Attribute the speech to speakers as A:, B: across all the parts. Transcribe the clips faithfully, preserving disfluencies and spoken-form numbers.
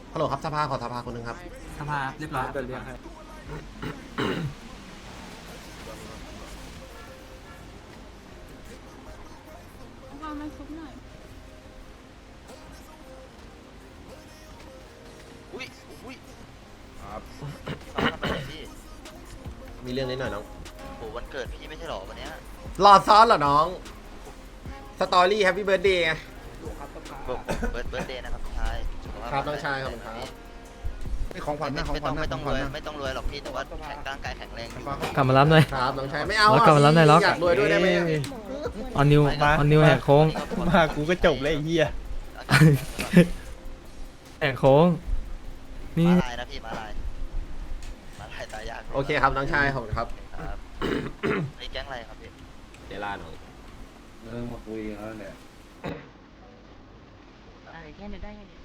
A: ฮัลโหลครับสภาขอสภาคนหนึ่งครับ
B: สภาเรียบร้อย
C: เดินเรียกให้
D: วางมาซุปหน่อย
E: อุ้ยอุ้ย
C: ครับ
E: น้องทำอะไรพี่
A: มีเรื่องนิดหน่อยน้อง
E: โหวันเกิดพี่ไม่ใช่หรอวันเนี้ย
A: รอซ้อนเหรอน้องสตอรี่แฮปปี้เบิร์ดเดย์ไง
E: บอกเบิร์ดเบิร์ดเดย์นะครับพี่ชายสุขภาพ
A: ครับน้องชายครับครับ
C: นี่ของขวัญ
E: ไม่
C: นะของ
E: ไม่
C: ขวั
E: ต้อ
C: ญ
E: ง
C: นะ
E: ไม่ต้อง
C: ข
E: ร
C: วัญ
E: วย
C: นะ
E: ไม่ต้องรวยหรอกพี่แต่ว่าแข็งร่างกายแข็งแรงดี
F: กลับมารับหน่อย
A: ครับน้องชายไม่เอา
F: ล็อกกลับมารับหน่อยล็อก
A: อยากรวยด้วยได้ไหม
F: ออนนิวออนนิวแหกโค้ง
C: มากูก็จบเลยไอ้เหี้ย
F: แหกโค้งนี่
E: มาลายนะพี่มาลายมาลายตายยาก
A: โอเคครับน้องชายขอบคุณครับ
E: ครับไอ้แก๊งอะไรครับพี่
A: เดล่าน้อง
C: เริ่มมาคุยกันแล้วเนี่ย
D: อะไรแค่นี้ได้ไงเนี่ย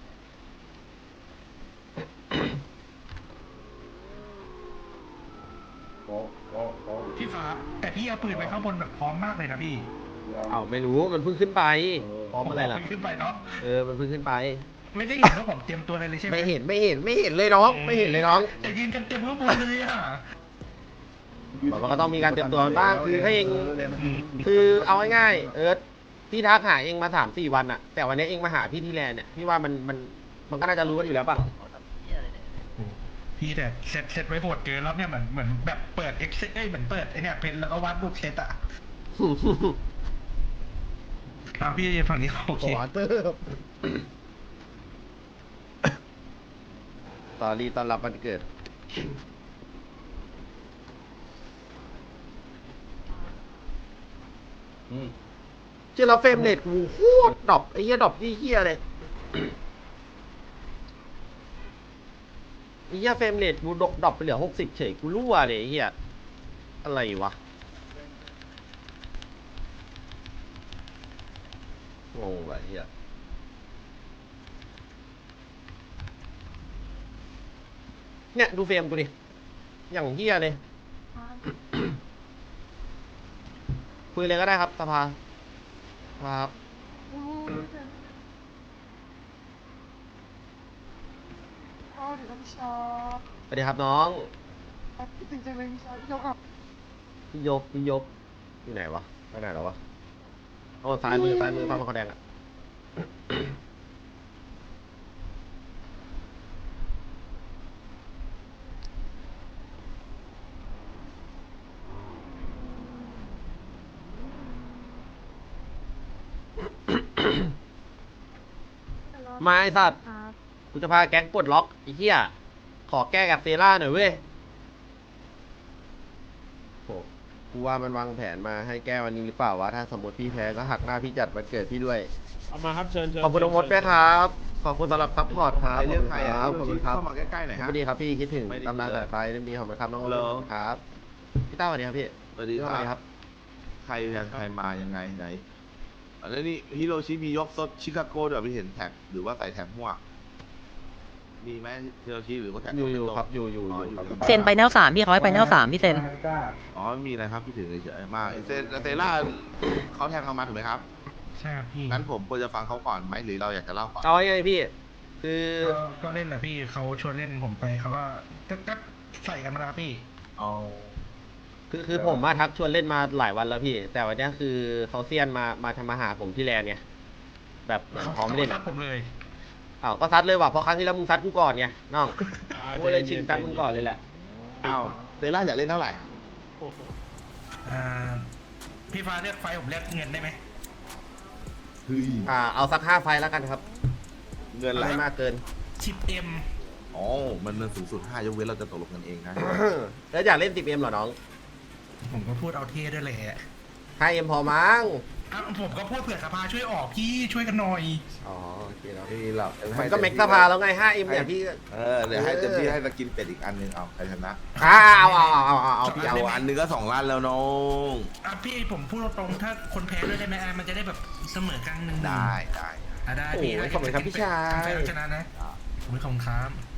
C: ก็ก็ก็
G: พี่ฟ้าแต่พี่เอาปืนไปข้างบนแบบพร้อมมากเลยนะพี่
A: เอาไม่รู้มันเพิ่งขึ้นไปพร้อมอะไรล่ะ
G: ขึ้นไปเนาะ
A: เออมันเพิ่งขึ้นไป
G: ไม่ได้เห็นว่าผมเตรียมตัวอะไรเลยใช่ไหม
A: ไม่เห็นไม่เห็นไม่เห็นเลยน้อง ไม่เห็นเลยน้อง
G: แต่ยืนกันเต็มข้างบนเลยอ่ะ
A: บอกว่าก็ต้องมีการเตรียมตัวบ้างคือถ้าเองคือเอาง่ายๆเอิร์ธพี่ทักหาเองมาสามสี่วันอะแต่วันนี้เองมาหาพี่ที่แลนด์เนี่ยพี่ว่ามันมันมันก็น่าจะรู้กันอยู่แล้วป่ะ
E: เขาทำเหี้ยอะไรเนี่ย
G: พี่แต่เสร็จเสร็จไว้โหดเกินแล้วเนี่ยเหมือนเหมือนแบบเปิดเอ็กซ์เอ้ยเหมือนเปิดไอเนี่ยเพนแล้วก็วาดรูปเซตอ่ะอ่ะพี่ฝั่งนี้โอเค
C: ขอเติม
A: ตอรี่ต้อนรับวันเกิดเชื่อเราเฟรมเรทกูโคตรดรอปไอ้เหี้ยดรอปที่เหี้ยเลยไอ้เหี้ยเฟรมเรทกูดรอปดรอปไปเหลือหกสิบเฉยกูรั่วเลยไอ้เหี้ยอะไรวะงงว่ะไอ้เหี้ยเนี่ยดูเฟรมกูดิอย่างเหี้ยเลยคุยเลยก็ได้ครับสภาครับสวัสดีครับน้องพี่ยกพี่ยกอยู่ไหนวะไปไหนแล้ววะโอ้ซ้ายมือซ้ายมือฟ้ามันเขาแดงอะมาไอ้สัตว์
D: ครับ
A: กูจะพาแก๊งปลดล็อกไอ้เหี้ยขอแก้กับเซร่าหน่อยเว้ยโหกูว่ามันวางแผนมาให้แก้วันนี้หรือเปล่าวะถ้าสมมติพี่แพ้ก็หักหน้าพี่จัดวันเกิดพี่ด้วย
C: เอามาครับเชิญเชิญ
A: ขอบคุณน้องมดด้วยครับขอบคุณสำหรับซัพพอร์ตครับ
C: เรื่องใครอ่ะ
A: ขอบคุณครับ
C: เข้ามาใกล้ๆหน่อย
A: ส
C: ฮะ
A: วัสดีครับพี่คิดถึง
C: ไม่ได้
A: ตำนานสายไฟเรื่องนี้ขอบคุณครับน้อง
C: ฮัลโหล
A: ครับพี่ต้าสวัสดีครับพี่
H: สวัสดี
A: พี่
H: ค
A: สวัสดีค
H: รั
A: รั
H: บบ ใครใครมายังไงไหนอันนี้ฮิโรชิมียกซดชิคาโก้ด้วยพี่เห็นแท็กหรือว่าใส่แท็กมั่วมีไหมฮิโรชิหรือว่าแท็ก
A: อยู่อยู่
H: โต๊ะ
A: ครับอยู่อยู่
H: อ๋
A: อ
H: อยู่
A: ครับ
H: ยู่
I: เซ็นไปแนวสามพี่เขาให้ไปแนวสามพี่เซ็น
H: อ๋อไม่มีอะไรครับพี่ถึงเฉยๆมาเซเซล่าเขาแทงเรามาถูกไหมครับ
G: ใช่ครับพี่
H: งั้นผมควรจะฟังเขาก่อนไหมหรือเราอยากจะเล่าก่อน
A: เอาไงพี่ คือ
G: ก็ก็เล่นแหละพี่เขาชวนเล่นผมไปเขาก็ก็ก็ใส่กันมาแล้วพี่
H: เอา
A: คือคือผมมาทักชวนเล่นมาหลายวันแล้วพี่ แต่วันนี้คือเขาเซียนมามาทำมาหาผมที่แลนด์ไงแบบเหมือนพร้อมเล่น
G: ขา
A: อะ
G: ซัดผมเลย
A: อ้าวก็ซัดเลยว่ะเพราะครั้งที่แล้วมึงซัดกูก่อนไงน้องกูเลยชิงซัดมึงก่อนเลยแหละ
H: เอาเซล่าอยากเล่นเท่าไหร่
G: อ่าพี่ฟ้าเรียกไฟผมเรียกเงินได้ไหม
H: เฮ้ย
A: อ่าเอาสักห้าไฟล์แล้วกันครับ
H: เงินอะไร
A: ไม่มากเกิน
G: สิบเอ็ม
H: อ๋อมันมันสูงสุดห้ายกเว้นเราจะตกลงกันเองนะ
A: แล้วอยากเล่น สิบเอ็ม เหรอน้อง
G: ผมก็พูดเอาเท่ด้วยแหละ
A: ห้าเอ็มพอมั้ง
G: อ่ะผมก็พูดเผื่อสภาช่วยออกพี่ช่วยกันหน่อย
A: อ๋อโอเคแล้ว
H: ไม่มีหรอก
A: มันก็เม็กซ์สภาแล้วไง ห้าเอ็ม เนี่ยพี่
H: เออเดี๋ยวให้เต็มที่ให้สกินเป็ดอีกอันหนึงเอาใครชนะ
A: อ่าเอาเอาเอาเอาเอาเอาพี่
H: เอา
A: เอา
H: อันหนึงก็สองล้านแล้วน้อง
G: อ่ะพี่ผมพูดตรงๆถ้าคนแพ้ด้วยได้ไหมอ่ะมันจะได้แบบเสมอกลางหนึ่ง
H: ได้ได้
G: อ่ะได้
A: โอ้
G: พี่
A: โหขอบคุณครับพี่ชาย
G: ใครเอาชนะนะผมไม่ขอบคุณครับ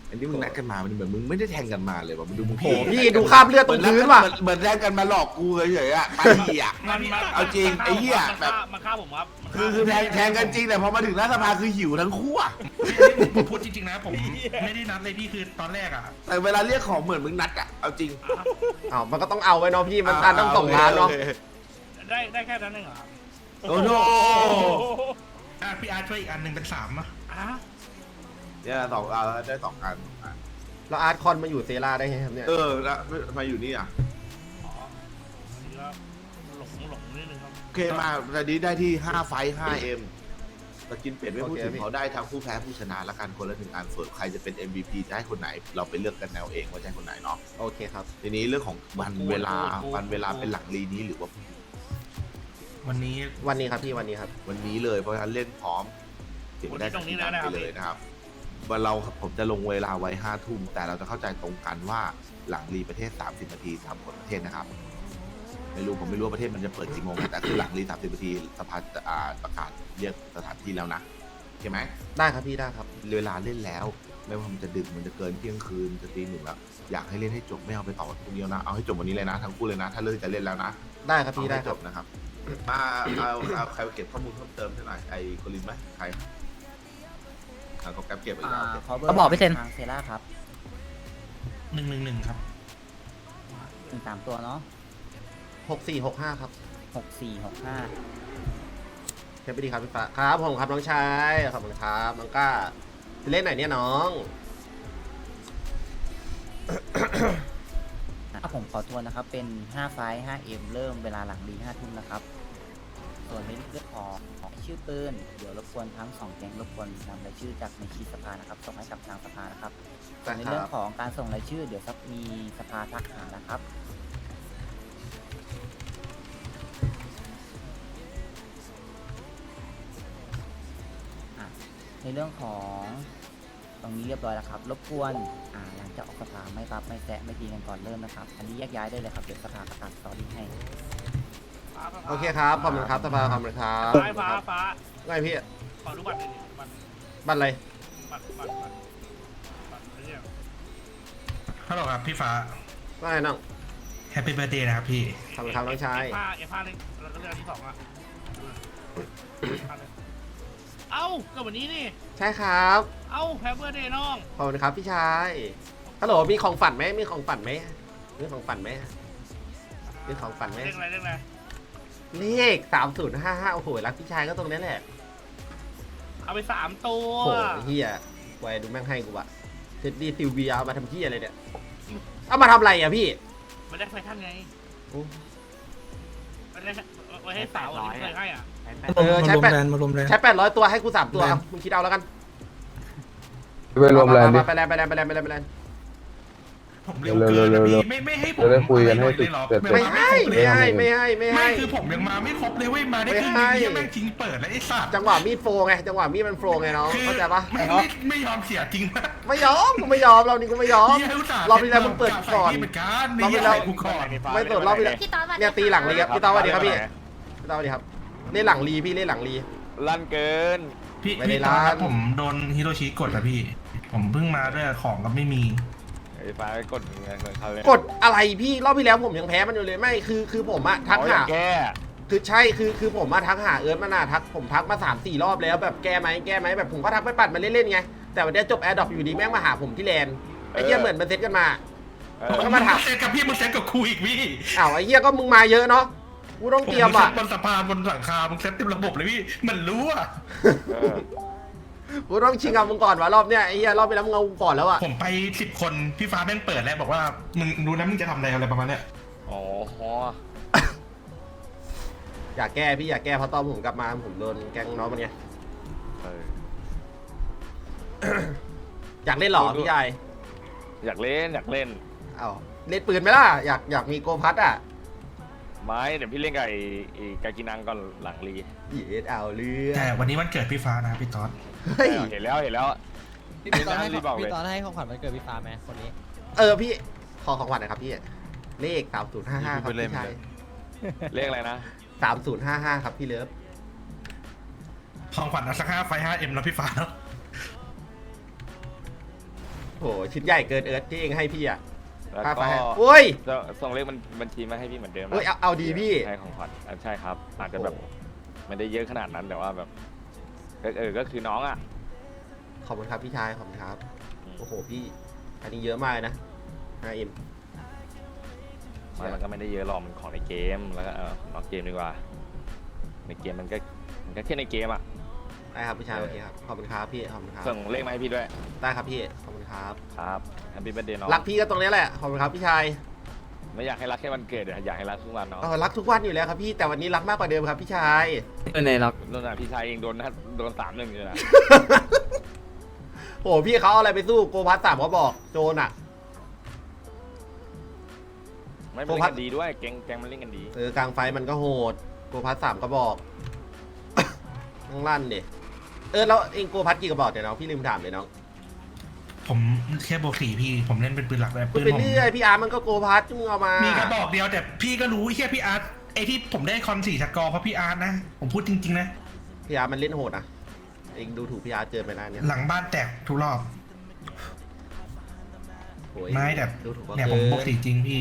H: อันนี้มึงนัดกันมามันเหมือนมึงไม่ได้แทงกันมาเลยว่ะมันดูมึง
A: โอ้พี่ดูคราบเลือดตรงพื้นว่ะ
H: เหมือนเหมือนแทงกันมาหลอกกูเฉยๆอะไปเหี้ย
C: มันมัน
H: เอาจริงไอ้เหี้ยแบบ
C: มาฆ่าผมครับ
H: คือคือแทงแทงกันจริงแต่พอมาถึงหน้าสภาคือหิวทั้งคู่อะ
G: ผมพูดจริงๆนะผมไม่ได้นัดเลยพี่คือตอนแรกอ่ะ
H: แต่เวลาเรียกของเหมือนมึงนัดอะเอาจริง
A: อ้าวมันก็ต้องเอาไว้เนาะพี่มันการต้องส่งงานเนาะ
C: ได้ได้แค่นั้นเองเหรอ
H: โอ้โห
G: อ่ะพี่อาร์ตช่วยอีกอันหนึ่งเป็นสามอ่ะ
C: อ่ะ
H: เนี่ยสองเอาได้สองอัน
A: แล้วอาร์ตคอนมาอยู่เซราได้ไงครับเนี่ย
H: เออแล้วมาอยู่นี่อ่ะ
C: อ๋อนี่ก็หลงหลงนิดนึงครับ
H: โอเคมาตอนนี้ได้ที่ห้าไฟห้าเอ็มสกินเป็ดไม่พูดถึงเขาได้ทั้งผู้แพ้ผู้ชนะละกันคนละหนึ่งอันส่วนใครจะเป็น เอ็ม วี พี จะให้คนไหน เราไปเลือกกันแนวเองว่าจะให้คนไหนเนาะ
A: โอเคครับ
H: ทีนี้เรื่องของวันเวลาวันเวลาเป็นหลังรีนี้หรือว่า
G: วันนี้
A: วันนี้ครับพี่วันนี้ครับ
H: วันนี้เลยเพราะฉะนั้นเล่นพร้อมเก็บได้จากที่นั่นไปเลยนะครับวันเราผมจะลงเวลาไว้ห้าทุ่มแต่เราจะเข้าใจตรงกันว่าหลังรีประเทศสามสิบนาทีสามคนประเทศนะครับไม่รู้ผมไม่รู้ว่าประเทศมันจะเปิดกี่โมงแต่คือหลังรีสามสิบนาทีสภาจะอ่าประกาศเรียกสถานที่แล้วนะโอเคไหม
A: ได้ครับพี่ได้ครับ
H: เวลาเล่นแล้ว ไม่ว่ามันจะดึกมันจะเกินเที่ยงคืนจะตีหนึ่งแล้วอยากให้เล่นให้จบไม่เอาไปต่อคนเดียวนะเอาให้จบวันนี้เลยนะทั้งคู่เลยนะถ้าเลิกจะเล่นแล้วนะ
A: ได้ครับพี่ได้
H: เอาให้
A: ค
H: จ
A: รับบ
H: นะครับมาเอาเอาใครเก็บข้อมูลเพิ่มเติมให้หน่อยไอ้โคลินไหมใครเอาเขาแก๊ปเก็บไปแล้วโอเค
I: เขาบอกพี่เซน
B: ทางเซล่าครับ
G: หนึ่งหนึ่งหนึ่งครับ
B: หนึ่งสามตัวเนาะ
A: หกสี่หกห้าครับ
B: หกสี่หกห้า
A: เทปไปดีครับพี่ฟ้าครับผมครับน้องชายขอบคุณครับน้องก้าไปเล่นไหนเนี่ยน้อง
B: ถ้าผมขอทวนนะครับ เป็นห้าไฟห้าเอ็มเริ่มเวลาหลังดีห้าทุ่มนะครับ ส่วนในเรื่องของชื่อปืนเดี๋ยวรบกวนทั้งสองแก๊งรบกวนนำรายชื่อจากในชีตสภานะครับ ส่งให้กับทางสภานะครับส่วนในเรื่องของการส่งรายชื่อ เดี๋ยวครับมีสภาทักหานะครับ ในเรื่องของตรงนี้เรียบร้อยแล้วครับ รบกวนอ่าหลังจากออกสภาไม่รับไม่แซะไม่ตีกันก่อนเริ่มนะครับ อันนี้แยกย้ายได้เลยครับเดี๋ยวสภาประกาศสตอรี่ให้
A: โอเคครับขอบคุณครับสภาขอบคุณครับ
C: ฟ้าฟ้าฟ้า
A: ไงพี่
C: ขอดูบัตรหน่อยดิบัตร
A: บัตรอะไร
C: บัตรบัตรบัตรบัตรอะไรเนี่ย
G: ฮัลโหลครับพี่ฟ้า
A: ว่าไงน้อง
G: แฮปปี้เบิร์ดเดย์นะครับพี่
A: ขอบคุณครับน้องชาย
C: เอฟห้าเอฟห้าเลยแล้วก็เลือกอันที่สองอ่ะเอ้าก็วันนี้นี่
A: ใช่ครับ
C: เอ้าแฮปปี้เดย์น้อง
A: ขอบคุณครับพี่ชายฮัลโหลมีของฝันไหมมีของฝันไหมมีของฝันไหมมีของฝันไหม
C: เรื่องอะไรเรื่องอะไร
A: เลขสามศูนย์ห้าห้าโอ้โหรักพี่ชายก็ตรงนี้แหละ
C: เอาไปสามตัว
A: โอ้โหเฮียไว้ดูแม่งให้กูอะเท็ดดี้ซิลเวียเอามาทำเฮียอะไรเนี่ยเอามาทำอะไรอะพี่
C: ไม่ได้ไฟท่านไง
A: โอ้
C: ไม่ได้ไว้ให้สาวอันนี้เคยให้อ่ะ
A: เออใช้
F: มารวม
A: แปด
F: แลนด์มารวมแลนด์
A: ใช้แปดร้อยตัวให้กูสามตัวเอามึงคิดเอาแล้วกัน
J: ไปรวมแรงดิ
A: ไปแลนด์ไปแลนด์ไปแลนด์ไปแลนด์ไปแลนด์
G: ผมเร็วเกินนะพี่ไม่ไม่ให้ผม
J: จะได้คุยกันให้
G: เลยเหรอ
J: เสร็จ
A: ไม่ให้ไม่ให้ไม่ให้ไม่
G: ไม่
A: ให้
G: คือผมยังมาไม่ครบเลยเว้ยมาได้ครึ่ง
A: ไม่
G: นึ
A: ให้
G: งยังแม่งทิ้งเปิดแล้วไอ้สัตว์
A: จังหวะมีดโฟไงจังหวะมีดมันโฟไงน้อง
G: คือ
A: เข้าใจปะ
G: ไม่ไม่ไม่ยอมเสียจริงนะ
A: ไม่ยอมกูไม่ยอมเรานี่กูไม่ยอม
G: หี้ยอุตส่าห์
A: รอบที่แล้วมึงเปิดก่อน
G: ใส่ที่เหมือนกัน
A: รอบที่แล้ว
G: ใส่กูก่อน
A: ไม่สดรอบที่แล้ว
D: พี่ตอนวัน
A: เนี่ยตีหลังรีครับพี่ต้อสวัสดีครับพี่พี่ต้อสวัสดีครับเล่นหลังรีพี่เล่นหลังรี
C: ลั่นเกิน
G: พี่
A: ไม่ได้
G: พี่ตอน
A: ร้าน
G: นั้นผมโดนฮิโรชิกดอะพี่ ผมเพิ่งมาด้วยของก็ไม่มี
C: ไอ้ฟ้ากดเงินเขาเลย
A: กดอะไรพี่รอบที่แล้วผมยังแพ้มันอยู่เลยไม่คือคือผมอะทักหา
C: แก้
A: คือใช่คือคือผมมาทักหาเอิร์ธมาน่าทักผมทักมาสามสี่รอบแล้วแบบแก้ไหมแก้ไหมแบบผมก็ทักไปปัดมาเล่นๆไงแต่วันนี้จบแอร์ดรอปอยู่ดีแม่งมาหาผมที่แลนด์ไอ้เหี้ยเหมือนมันเซตกันมามันก็มาถาม
G: เซตกับพี่มึงเซตกับครูอีกพี่
A: อ้าวไอ้เหี้ยก็มึงมาเยอะเนาะกูต้องเตรียมอ่ะ
G: บนสะพานบนหลังคามึงเซตเต็มระบบเลยพี่มันรู้อ่ะ
A: กูต้องชิงกับมึงก่อนวะรอบเนี้ยไอ้เหี้ยรอบไปแล้วมึงเอากูก่อนแล้วอ่ะ
G: ผมไปสิบคนพี่ฟ้าแม่งเปิดแล้วบอกว่ามึงรู้นะมึงจะทำอะไรอะไรประมาณเนี้ย
C: อ๋อ
A: อยากแก้พี่อยากแก้เพราะตอนผมกลับมาผมโดนแกงน้องมันไงอยากเล่นเหรอพี่ชาย
C: อยากเล่นอยากเล่น
A: เอ้าเล่นปืนไหมล่ะอยากอยากมีโกพัดอ่ะ
C: ไม่เดี๋ยวพี่เล่นกับไอ้ไอ้กากินังก่อนหลังรี
A: เย็ดเอาเรื่อง
G: แต่วันนี้วันเกิดพี่ฟ้านะพี่ต๊อด
A: เฮ้ย
C: เห็นแล้วเห็นแล้ว
I: พี่ตอนให้พี่ตอนให้ของขวัญวันเกิดพี่ฟ้าไหมคนนี้
A: เออพี่ขอของขวัญหนะครับพี่เลขสามศูนย์ห้าห้าครับพี่ชาย
C: เรียกอะไรนะ
A: สามศูนย์ห้าห้าครับพี่เลิฟ
G: ของขวัญเอาสักห้าไฟห้าเอ็มแล้วพี่ฟ้า
A: โหชิ้นใหญ่เกินเอิร์ธที่เองให้พี่อะ
C: แล้ว
A: ค่าไฟ
C: ก็
A: ให้โอ้ย
C: จะส่งเลขมันบัญชีมาให้พี่เหมือนเดิมนะ
A: เฮ้ยเอาเอาดีพี่
C: ให้ของขวัญอ่ะใช่ครับ อาจจะแบบไม่ได้เยอะขนาดนั้นแต่ว่าแบบก็เออก็คือน้องอ่ะ
A: ขอบคุณครับพี่ชายขอบคุณครับโอ้โหพี่อันนี้เยอะมากเลยนะ ห้าเอ็ม
C: มันมันก็ไม่ได้เยอะหรอกมันของในเกมแล้วก็เออนอกเกมดีกว่า ในเกมมันก็มันก็แค่ในเกมอ่ะ
A: ได้ครับพี่ชายโอเคครับขอบคุณครับพี่ขอบคุณครับ
C: ส่งเลขมาให้พี่ด้วย
A: ได้ครับพี่ขอบคุณครับ
C: ครับแฮปปี้เบิร์ดเดย์น้อง
A: รักพี่ก็ตรงนี้แหละขอบคุณครับพี่ชาย
C: ไม่อยากให้รักแค่วันเกิดเดี๋ยวอยากให้รักทุกวันเนาะ
A: เออรักทุกวันอยู่แล้วครับพี่แต่วันนี้รักมากกว่าเดิมครับพี่ชาย
F: เออในรัก
C: โดนอ่ะพี่ชายเองโดนนะโดนสามหนึ่งเลยนะ
A: โอ้โหพี่เขาเอาอะไรไปสู้โกพัสสามเขาบอกโจนอ่ะ
C: ไม่เป็นเล่นกันดีด้วยแกงแกงมันเล่นกันดี
A: เออกลางไฟมันก็โหดโกพัสสามก็บอก ต้องลั่นดิเออแล้วเองโกพัสกี่กระบอกเดี๋ยวน้องพี่ลืมถามเลยน้อง
G: ผมแค่บวกสี่พี่ผมเล่นเป็นปืนหลักเลย
A: พู
G: ปื
A: ด
G: น
A: ไป
G: ผม
A: เรื่อยพี่อาร์ตมันก็โกพัสมึงเอามา
G: มี
A: มี
G: กระบอกเดียวแต่พี่ก็รู้แค่พี่อาร์ตไอที่ผมได้คอนสี่สกอร์เพราะพี่อาร์ตนะผมพูดจริงๆนะ
A: พี่อาร์ตมันเล่นโหดนะเองดูถูกพี่อาร์ตเจอไปแล้วเนี่ย
G: หลังบ้านแตกทุกรอบ
A: โอ้ย
G: ไม่แต่
A: ดูถูก
G: เนี่ยผมบวกสี่จริงพี่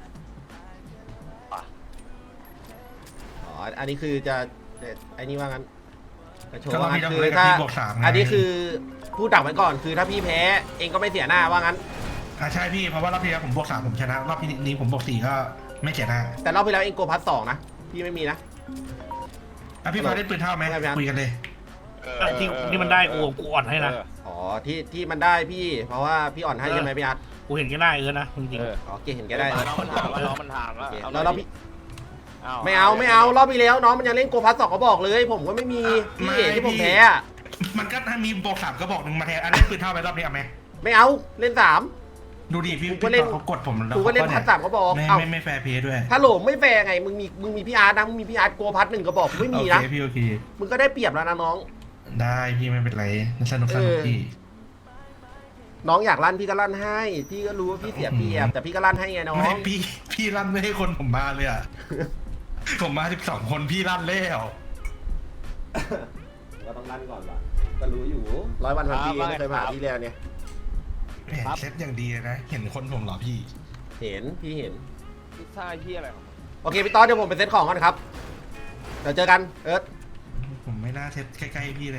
A: อ๋ออันนี้คือจะไอ้นี่ว่างั้นกระโชว์
G: ก็
A: ว่างั้
G: พี่
A: น
G: ต้อง
A: คือ
G: เล่นกับ
A: ถ้า
G: พี่บวกสามไง
A: อันนี้คือพูดดักไว้ก่อนคือถ้าพี่แพ้เองก็ไม่เสียหน้าว่างั้น
G: อ่าใช่พี่เพราะว่ารอบที่แล้วผมบวกสามผมชนะรอบนี้ผมบวกสี่ก็ไม่เสียหน้า
A: แต่รอบที่แล้วเองโกพัสสองนะพี่ไม่มีนะ
G: อ่ะพี่ฟ้าได้ปืนเท่าไหม
A: ไม่ครับ
G: คุยกันเลย
C: ที่ที่มันได้กูกูอ่อนให้นะ
A: อ๋อที่ที่มันได้พี่ เพราะว่าพี่อ่อนให้ใช่ไหมพี่อาร์ต
C: กูเห็นแค่ได้เออนะจริง
A: อ๋อเก่งเห็นแกได้
C: น้องมันถามว่าน้องมันถาม
A: โอ
C: ว่า
A: เค
C: เอา
A: แล้วรอบพี่
C: เอา
A: ไม่เอาไม่เอารอบที่แล้วน้องมันยังเล่นโกพัสสองเขาบอกเลย ผมก็ไม่มีพี่ที่ผมแพ้อะ
G: มันก็ถ้ามีบวกสามก็บอกหนึ่งมาแทนอันนี้ปืนเท่าไปรอบนี้เอาไหม
A: ไม่เอาเล่นสาม
G: ดูดิพี่
A: กู
G: พี่
A: ก็เล่น
G: เขากดผมแล้ว
A: กูก็เล่น
G: ข
A: พัสสามเขาบอก
G: ไม่
A: เอ้า
G: ไม่ไม่แฟร์เพย์ด้วย
A: ถ้าโหลไม่แฟร์ไงมึงมีมึงมีพี่อาร์ตนะมึงมีพี่อาร์ตโกพัสหนึ่งกระบอกไม่มี
G: โอ
A: นะ
G: เคพี่โอเค
A: มึงก็ได้เปรียบแล้วนะน้อง
G: ได้พี่ไม่เป็นไรสนุกสนุก
A: เออ
G: พี่
A: น้องอยากลั่นพี่ก็ลั่นให้ พี่ก็รู้ว่าพี่เสียเปรียบแต่พี่ก็ลั่นให้ไงน้อง
G: ไม่พี่พี่ลั่นไม่ให้คนผมมาเลยอ่ะ ผมมาสิบสองคนพี่ลั่นแล้ว
A: ก็ต้องลั่นก่อนว่ะก็รู้อยู่ร้อยวันพันปีไม่เคยผ่านพี่แล้วเนี่ย
G: แหมเซตอย่างดีเลยนะ เห็นคนผมเหรอพี่
A: เห็นพี่เห็น
C: พิซซ่าที่อะไรของ
A: โอเคพี่ต๊อดเดี๋ยวผมไปเซ็ตของก่อนครับเดี๋ยวเจอกันเอิร์ธ
G: ผมไม่น่าเซตใกล้ๆพี่เลย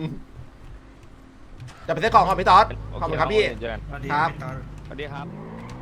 A: จะไปเซ็ตของก่อนพี่ต๊อดขอบคุณครับพี่
C: เจอกัน
G: สวัสดี
A: ครับ
G: พี่ตอน
C: สวัสดีครับ